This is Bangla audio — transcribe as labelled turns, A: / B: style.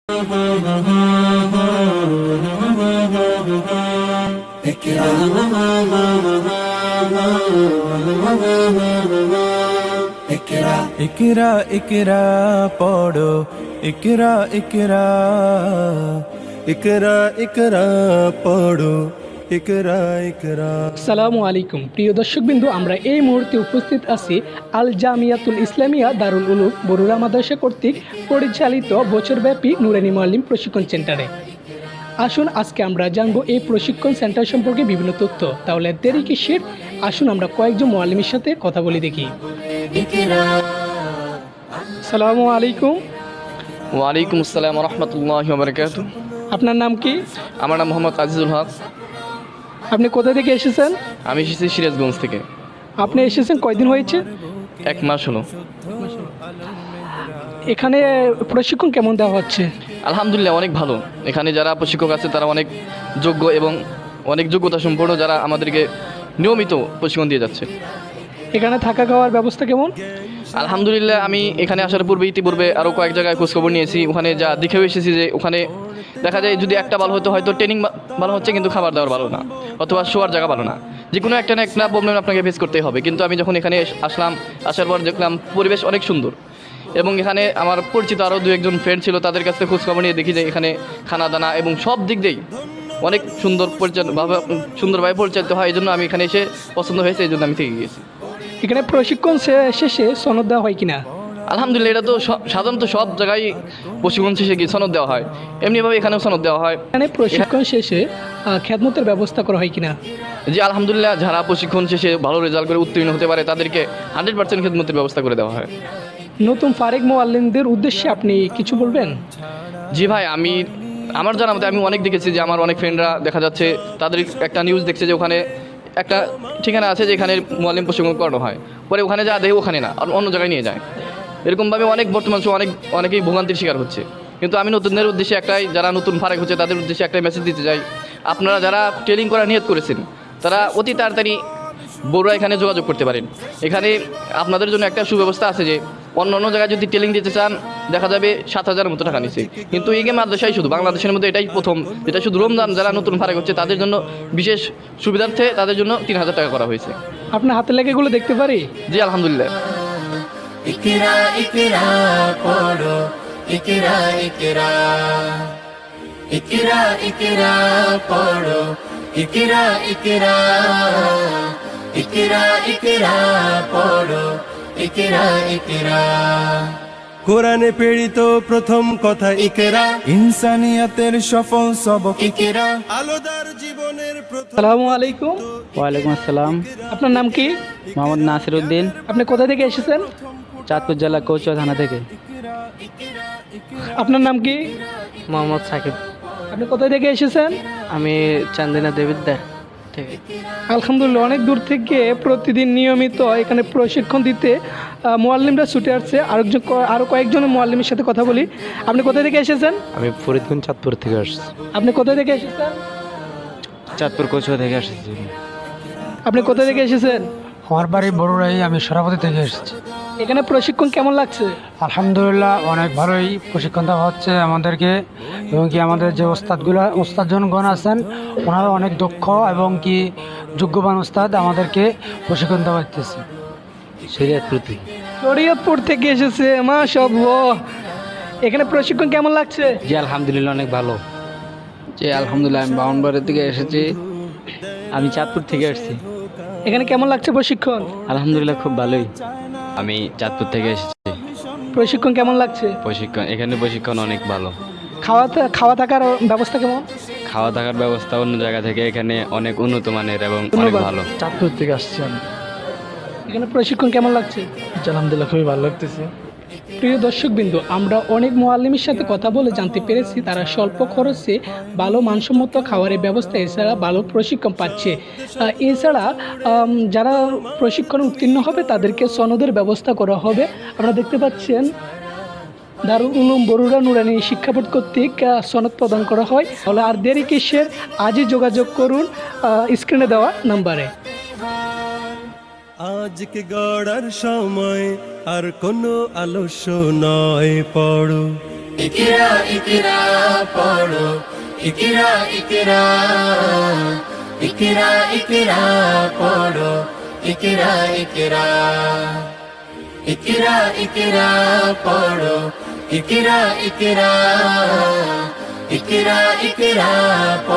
A: ইকরা ইকরা পড়ো, ইকরা ইকরা, ইকরা ইকরা পড়ো, ইকরা ইকরা।
B: আসসালামু আলাইকুম প্রিয় দর্শকবিন্দু, আমরা এই মুহূর্তে উপস্থিত আছি আল জামিয়াতুল ইসলামিয়া দারুল উলুম বরুড়া মাদ্রাসা কর্তৃক পরিচালিত বছরব্যাপী নুরানি মুআল্লিম প্রশিক্ষণ সেন্টারে। আসুন আজকে আমরা জানবো এই প্রশিক্ষণ সেন্টার সম্পর্কে বিভিন্ন তথ্য। তাহলে দেরি কিসের, আসুন আমরা কয়েকজন মুআল্লিমের সাথে কথা বলে দেখি। আসসালামু আলাইকুম।
C: ওয়ালাইকুম আসসালাম রহমতুল্লাহি ওয়া বারাকাতুহু।
B: আপনার নাম কি?
C: আমার নাম মোহাম্মদ আজিজুল হক।
B: আপনি কোথা থেকে এসেছেন?
C: আমি এসেছি সিরাজগঞ্জ থেকে।
B: আপনি এসেছেন কয়দিন হয়েছে?
C: 1 মাস হলো।
B: এখানে প্রশিক্ষণ কেমন দেওয়া হচ্ছে?
C: আলহামদুলিল্লাহ অনেক ভালো। এখানে যারা প্রশিক্ষক আছে তারা অনেক যোগ্য এবং অনেক যোগ্যতা সম্পন্ন, যারা আমাদেরকে নিয়মিত প্রশিক্ষণ দিয়ে যাচ্ছে।
B: এখানে থাকা খাওয়ার ব্যবস্থা কেমন?
C: আলহামদুলিল্লাহ আমি এখানে আসার ইতিপূর্বে আরও কয়েক জায়গায় খোঁজখবর নিয়েছি। ওখানে যা দেখেও এসেছি যে ওখানে দেখা যায় যদি একটা ভালো হতো, হয়তো ট্রেনিং ভালো হচ্ছে কিন্তু খাবার দাবার ভালো না, অথবা শোয়ার জায়গা ভালো না। যে কোনো একটা না একটা প্রবলেম আপনাকে ফেস করতেই হবে। কিন্তু আমি যখন এখানে আসার পর দেখলাম পরিবেশ অনেক সুন্দর, এবং এখানে আমার পরিচিত আরও 2-1 ফ্রেন্ড ছিল, তাদের কাছ থেকে খোঁজখবর নিয়ে দেখি যে এখানে খানা দানা এবং সব দিক দিয়েই অনেক সুন্দরভাবে পরিচালিত হয়। এই জন্য আমি এখানে এসে পছন্দ হয়েছে, এই জন্য আমি থেকে গিয়েছি।
B: এখানে প্রশিক্ষণ শেষে সনদ দেওয়া হয় কিনা?
C: আলহামদুলিল্লাহ এটা তো সাধারণত সব জায়গায় প্রশিক্ষণ শেষে কি সনদ দেওয়া হয়, এমনিভাবে এখানেও সনদ দেওয়া হয়।
B: এখানে প্রশিক্ষণ শেষে খেদমতের ব্যবস্থা করা হয় কিনা?
C: জি আলহামদুলিল্লাহ, যারা প্রশিক্ষণ শেষে ভালো রেজাল্ট করে উত্তীর্ণ হতে পারে তাদেরকে 100% খেদমতের ব্যবস্থা করে দেওয়া হয়।
B: নতুন ফারেক মুআল্লিমদের উদ্দেশ্যে আপনি কিছু বলবেন?
C: জি ভাই, আমার জানা মতে আমি অনেক দেখেছি যে আমার অনেক ফ্রেন্ডরা দেখা যাচ্ছে তাদের একটা নিউজ দেখছে যে ওখানে একটা ঠিকানা আছে যেখানে মুআল্লিম প্রশিক্ষণ করানো হয়, পরে ওখানে যা দেয় ওখানে না, আর অন্য জায়গায় নিয়ে যায়। এরকমভাবে বর্তমান সময় অনেকেই ভোগান্তির শিকার হচ্ছে। কিন্তু আমি নতুনদের উদ্দেশ্যে যারা নতুন ফারেক হচ্ছে তাদের উদ্দেশ্যে একটাই মেসেজ দিতে চাই, আপনারা যারা ট্রেনিং করার নিয়ত করেছেন তারা অতি তাড়াতাড়ি বড়ুয়া এখানে যোগাযোগ করতে পারেন। এখানে আপনাদের জন্য একটা সুব্যবস্থা আছে যে অন্য জায়গায় যদি ট্রেনিং দিতে চান দেখা যাবে 7,000 মতো টাকা নিচ্ছে, কিন্তু এই মাদ্রাসায় শুধু বাংলাদেশের মধ্যে এটাই প্রথম যেটা শুধু রমজান যারা নতুন ফারেক হচ্ছে তাদের জন্য বিশেষ সুবিধার্থে তাদের জন্য 3,000 টাকা করা হয়েছে।
B: আপনার হাতে লেখাগুলো দেখতে পারি?
C: জি আলহামদুলিল্লাহ।
A: ইকরা ইকরা পড়ো, ইকরা ইকরা, ইকরা ইকরা পড়ো, ইকরা ইকরা, ইকরা ইকরা পড়ো, ইকরা ইকরা। কোরআনে প্রেরিত প্রথম কথা ইকরা, ইনসানিয়াতের সফল সবক ইকরা, আলোদার জীবনের প্রথম।
B: আসসালামু আলাইকুম।
D: ওয়ালাইকুম আসসালাম।
B: আপনার নাম কি?
D: মোহাম্মদ নাসির উদ্দিন,
B: আপনি কোথা থেকে এসেছেন?
D: চাঁদপুর জেলা কৌচুয়া থানা থেকে।
B: আপনার নাম কি?
D: মোহাম্মদ সাকিব,
B: আপনি কোথা থেকে এসেছেন?
D: আমি চান্দিনা দেবিদ্যা থেকে।
B: আলহামদুলিল্লাহ, অনেক দূর থেকে প্রতিদিন নিয়মিত এখানে প্রশিক্ষণ দিতে মুআল্লিমরা ছুটে আসছে। আরও কয়েকজন মুআল্লিমের সাথে কথা বলি। আপনি কোথা থেকে এসেছেন?
E: আমি ফরিদগঞ্জ চাঁদপুর থেকে আসছি।
B: আপনি কোথা থেকে এসেছেন?
E: চাঁদপুর কচুয়া থেকে আসছি।
B: আপনি কোথা থেকে এসেছেন?
F: আমার বাড়ি বড়ুড়াই, আমি সরাপতি থেকে এসেছি।
B: এখানে প্রশিক্ষণ কেমন লাগছে?
F: আলহামদুলিল্লাহ অনেক ভালোই প্রশিক্ষণ দেওয়া হচ্ছে আমাদেরকে, এবং কি আমাদের যে ওস্তাদজনগণ আছেন ওনারা অনেক দক্ষ এবং কি যোগ্যবান ওস্তাদ, আমাদেরকে প্রশিক্ষণ দেওয়া হচ্ছে।
B: শরীয়তপুর থেকে এসেছে, মাশাআল্লাহ। এখানে প্রশিক্ষণ কেমন লাগছে?
D: জি আলহামদুলিল্লাহ অনেক ভালো। জি আলহামদুলিল্লাহ, আমি বাউনবাড়ি থেকে এসেছি। আমি চাঁদপুর থেকে আসছি।
B: এখানে কেমন লাগছে প্রশিক্ষণ?
D: আলহামদুলিল্লাহ খুব ভালোই।
E: আমি চাঁদপুর থেকে এসেছি।
B: প্রশিক্ষণ কেমন লাগছে?
E: এখানে প্রশিক্ষণ অনেক ভালো।
B: খাওয়া থাকার ব্যবস্থা কেমন?
E: খাওয়া থাকার ব্যবস্থা অন্য জায়গা থেকে এখানে অনেক উন্নত মানের এবং অনেক ভালো।
F: চাঁদপুর থেকে আসছি আমি।
B: এখানে প্রশিক্ষণ কেমন লাগছে?
F: আলহামদুলিল্লাহ খুবই ভালো লাগতেছে।
B: প্রিয় দর্শকবিন্দু, আমরা অনেক মুআল্লিমের সাথে কথা বলে জানতে পেরেছি তারা স্বল্প খরচে ভালো মানসম্মত খাবারের ব্যবস্থা এছাড়া ভালো প্রশিক্ষণ পাচ্ছে। এছাড়া যারা প্রশিক্ষণে উত্তীর্ণ হবে তাদেরকে সনদের ব্যবস্থা করা হবে। আপনারা দেখতে পাচ্ছেন দারুল উলুম বরুড়া নুরানি শিক্ষা বোর্ড কর্তৃক সনদ প্রদান করা হয়। তাহলে আর দেরি কিসের, আজই যোগাযোগ করুন স্ক্রিনে দেওয়া নাম্বারে।
A: আজকে গড়ার সময় আর কোনো আলস্য নয়, পড়ো ইকরা ইকরা পড়ো ইকরা ইকরা ইকরা ইকরা পড়ো ইকরা ইকরা ইকরা ইকরা পড়ো ইকরা ইকরা ইকরা ইকরা